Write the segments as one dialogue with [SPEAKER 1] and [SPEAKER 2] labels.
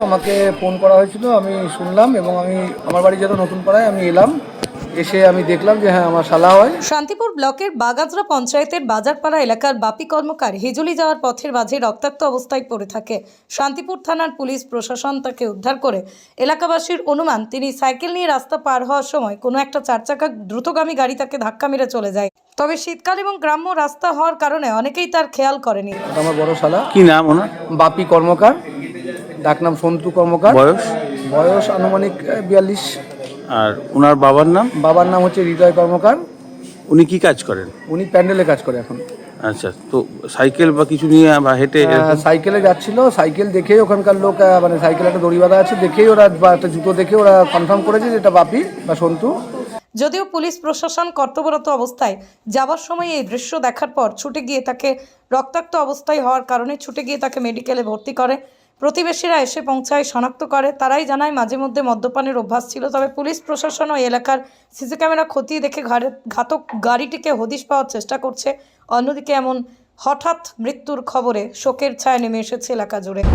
[SPEAKER 1] আমাকে ফোন করা হয়েছিল, আমি শুনলাম এবং আমি আমার বাড়ি যেহেতু নতুন পাড়ায় আমি এলাম, এসে আমি দেখলাম যে হ্যাঁ আমার শালা হয়।
[SPEAKER 2] শান্তিপুর ব্লকের বাগাজরা পঞ্চায়েতের বাজারপাড়া এলাকার বাপি কর্মকার হিজুলি যাওয়ার পথের মাঝে রক্তাক্ত অবস্থায় পড়ে থাকে। শান্তিপুর থানার পুলিশ প্রশাসন তাকে উদ্ধার করে। এলাকাবাসীর অনুমান তিনি সাইকেল নিয়ে রাস্তা পার হওয়ার সময় কোনো একটা চারচাকা দ্রুতগামী গাড়ি তাকে ধাক্কা মেরে চলে যায়। তবে শীতকাল এবং গ্রাম্য রাস্তা হওয়ার কারণে অনেকেই তার খেয়াল করেনি।
[SPEAKER 1] আমার বড় শালা।
[SPEAKER 3] কি নাম ওনার?
[SPEAKER 1] বাপি কর্মকার, ডাকনাম সন্তু কর্মকার। বয়স আনুমানিক 42।
[SPEAKER 3] আর ওনার বাবার নাম?
[SPEAKER 1] বাবার নাম হচ্ছে হৃদয় কর্মকার।
[SPEAKER 3] উনি কি কাজ করেন?
[SPEAKER 1] উনি প্যান্ডেলে কাজ করে এখন।
[SPEAKER 3] আচ্ছা, তো সাইকেল বা কিছু নিয়ে বা হেঁটে?
[SPEAKER 1] সাইকেলে যাচ্ছিল, সাইকেল দেখেই ওখানকার লোক মানে সাইকেলে একটা দড়ি বাঁধা আছে দেখেই ওরা বা একটা জুতো দেখে ওরা কনফার্ম করেছে যে এটা বাপি বা সন্তু।
[SPEAKER 2] যদিও পুলিশ প্রশাসন কর্তব্যরত অবস্থায় যাওয়ার সময় এই দৃশ্য দেখার পর ছুটে গিয়ে তাকে রক্তাক্ত অবস্থায় হওয়ার কারণে ছুটে গিয়ে তাকে মেডিকেলে ভর্তি করে। প্রতিবেশীরা এসে পৌঁছায়, শনাক্ত করে। তারাই জানায় মাঝে মধ্যে মদ্যপানের অভ্যাস ছিল। তবে পুলিশ প্রশাসন ও এলাকার সিসি ক্যামেরা খতিয়ে দেখে ঘাতক গাড়িটিকে হদিশ পাওয়ার চেষ্টা করছে। অন্যদিকে এমন হঠাৎ মৃত্যুর খবরে শোকের ছায়া নেমে এসেছে এলাকা জুড়ে।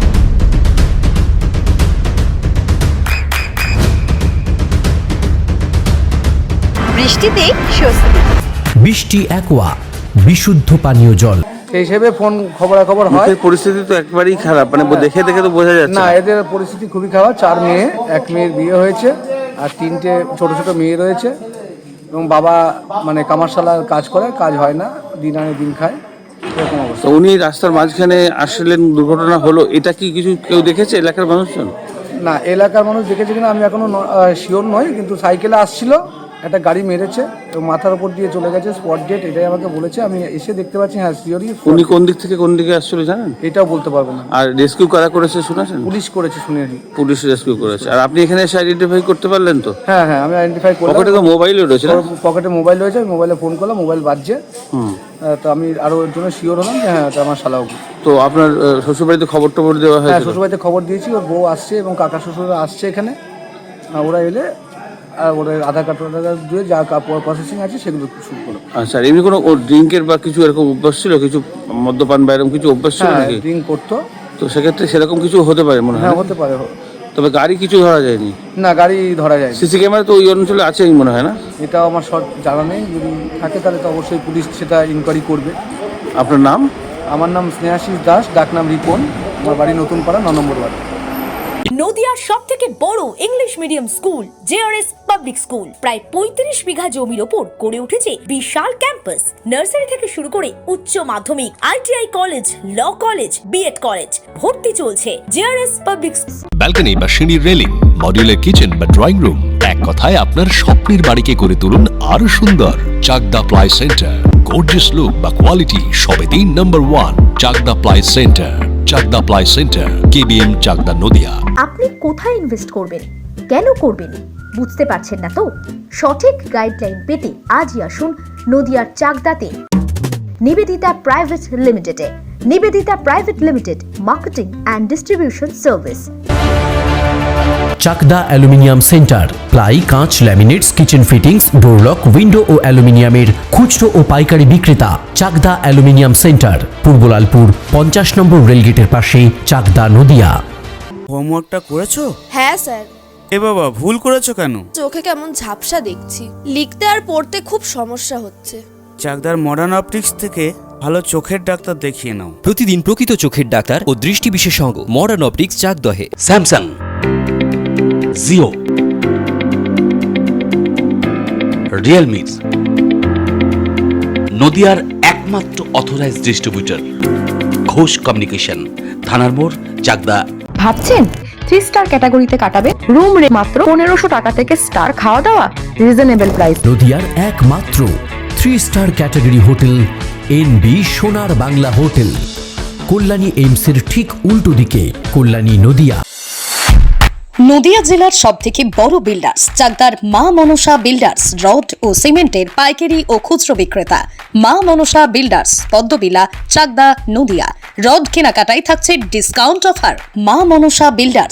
[SPEAKER 4] বৃষ্টিতে স্বস্তি।
[SPEAKER 5] বৃষ্টি অ্যাকোয়া বিশুদ্ধ পানীয় জল।
[SPEAKER 1] সেই হিসেবে ফোন খবরাখবর হয়।
[SPEAKER 3] পরিস্থিতি তো একবারেই খারাপ, মানে দেখে দেখে তো বোঝা যাচ্ছে
[SPEAKER 1] না, এদের পরিস্থিতি খুবই খারাপ। 4 মেয়ে, 1 মেয়ের বিয়ে হয়েছে আর 3টে ছোট ছোট মেয়ে রয়েছে এবং বাবা মানে কামারশালার কাজ করে, কাজ হয় না, দিন আনে দিন খায়, এরকম অবস্থা।
[SPEAKER 3] তো উনি রাস্তার মাঝখানে আসলেন, দুর্ঘটনা হলো, এটা কি কিছু কেউ দেখেছে এলাকার মানুষজন?
[SPEAKER 1] না, এলাকার মানুষ দেখেছে কিনা আমি এখনো শিওর নই, কিন্তু সাইকেলে আসছিল, একটা গাড়ি মেরেছে এবং মাথার উপর দিয়ে চলে গেছে, স্পট ডেট, এটাই আমাকে বলেছে। আমি এসে দেখতে পাচ্ছি, হ্যাঁ শিওরই।
[SPEAKER 3] উনি কোন দিক থেকে কোন দিকে আসছিল জানেন?
[SPEAKER 1] এটাও বলতে পারবো না।
[SPEAKER 3] আর রেস্কিউ কারা করেছে শুনেছেন?
[SPEAKER 1] পুলিশ করেছে শুনেছি।
[SPEAKER 3] পুলিশ রেস্কিউ করেছে। আর আপনি এখানে এসে আইডেন্টিফাই করতে পারলেন তো?
[SPEAKER 1] হ্যাঁ হ্যাঁ, আমি আইডেন্টিফাই করলাম।
[SPEAKER 3] পকেটে তো মোবাইলও রয়েছে না?
[SPEAKER 1] পকেটে মোবাইল রয়েছে, আমি মোবাইলে ফোন করলাম, মোবাইল বাজছে। তো আমি আরও এর জন্য শিওর হলাম যে হ্যাঁ এটা আমার শালাও।
[SPEAKER 3] তো আপনার শ্বশুরবাড়িতে খবর টবর দেওয়া
[SPEAKER 1] হ্যাঁ,
[SPEAKER 3] হয়েছে?
[SPEAKER 1] শ্বশুরবাড়িতে খবর দিয়েছি, ওর বউ আসছে এবং কাকা শ্বশুররা আসছে এখানে। ওরা এলে ওদের আধার কার্ড দিয়ে যা প্রসেসিং আছে সেগুলো শুরু করো।
[SPEAKER 3] আচ্ছা, এমনি কোনো ড্রিঙ্কের বা কিছু এরকম অভ্যাস ছিল? কিছু মদ্যপান বা এরকম কিছু অভ্যাস ছিল নাকি?
[SPEAKER 1] ড্রিঙ্ক করতো।
[SPEAKER 3] তো সেক্ষেত্রে সেরকম কিছু হতে পারে মনে হয়?
[SPEAKER 1] হ্যাঁ, হতে পারে।
[SPEAKER 3] তবে গাড়ি কিছু ধরা যায়নি?
[SPEAKER 1] না, গাড়ি ধরা যায়।
[SPEAKER 3] সিসি ক্যামেরা তো ওই অঞ্চলে আছেই মনে হয় না?
[SPEAKER 1] এটাও আমার শর্ট জানা নেই, যদি থাকে তাহলে তো অবশ্যই পুলিশ সেটা ইনকোয়ারি করবে।
[SPEAKER 3] আপনার নাম?
[SPEAKER 1] আমার নাম স্নেহাশিস দাস, ডাকনাম রিপন। আমার বাড়ি নতুন পাড়া, 9 নম্বর ওয়ার্ড।
[SPEAKER 6] নদিয়ার সবথেকে বড় English medium school JRS public school প্রায় 35 বিঘা জমির ওপর গড়ে উঠেছে বিশাল ক্যাম্পাস। নার্সারি থেকে শুরু করে উচ্চ মাধ্যমিক, ITI college, law college, BEd college, ভর্তি চলছে জেআরএস পাবলিক।
[SPEAKER 7] ব্যালকনি বা সিঁড়ির রেলিং, মডিউলার কিচেন বা ড্রয়িং রুম, এক কথায় আপনার স্বপ্নের বাড়িকে করে তুলুন আরো সুন্দর। Chakdah ply centre, gorgeous look বা কোয়ালিটি সবে 3 নম্বর 1 Chakdah ply centre. Chakdah ply centre, KBM, Chakdah, Nadia.
[SPEAKER 4] আপনি কোথায় ইনভেস্ট করবেন, কেন করবেন বুঝতে পারছেন না তো? সঠিক গাইডলাইন পেতে আজই আসুন নদিয়ার চাকদাতে নিবেদিতা প্রাইভেট লিমিটেডে। Nivedita private limited, marketing and distribution service.
[SPEAKER 5] Chakdah aluminium centre, ply, কাঁচ, laminates, kitchen fittings, door lock, window ও অ্যালুমিনিয়ামের খুচরো ও পাইকারি বিক্রেতা। চাকদা অ্যালুমিনিয়াম সেন্টার, পূর্বলালপুর 50 নম্বর রেলগেটের পাশে, চাকদা, নদিয়া।
[SPEAKER 8] হোমওয়ার্কটা করেছো?
[SPEAKER 9] হ্যাঁ স্যার।
[SPEAKER 8] এ বাবা, ভুল করেছো কেন?
[SPEAKER 9] চোখে কেমন ঝাপসা দেখছি, লিখতে আর পড়তে খুব সমস্যা হচ্ছে।
[SPEAKER 8] চাকদার মডার্ন অপটিক্স থেকে ভালো চোখের ডাক্তার দেখিয়ে নাও।
[SPEAKER 10] প্রতিদিন প্রকৃত চোখের ডাক্তার ও দৃষ্টি বিশেষজ্ঞ মডার্ন অপটিক্স, চাকদহে।
[SPEAKER 5] স্যামসাং, জিও, রিয়েলমি, নদিয়ার একমাত্র অথরাইজড ডিস্ট্রিবিউটর ঘোষ কমিউনিকেশন, থানার মোড়, চাকদা।
[SPEAKER 4] ভাবছেন 3 স্টার ক্যাটাগরিতে কাটাবে? রুম রে মাত্র 1500 টাকা থেকে স্টার, খাওয়া দাওয়া রিজনেবল প্রাইস।
[SPEAKER 5] নদিয়ার একমাত্র 3 স্টার ক্যাটাগরি হোটেল এনবি সোনার বাংলা হোটেল, কল্যাণী এইমসের ঠিক উল্টো দিকে, কল্যাণী, নদিয়া।
[SPEAKER 2] নদিয়া জেলার সবথেকে বড় বিল্ডার্স চাকদার মা মনসা বিল্ডার্স, রড ও সিমেন্টের পাইকারি ও খুচরো বিক্রেতা। মা মনসা বিল্ডার্স, পদ্মবিলা, চাকদা, নদিয়া। রড কেনাকাটায় থাকছে ডিসকাউন্ট অফার। মা মনসা বিল্ডার্স,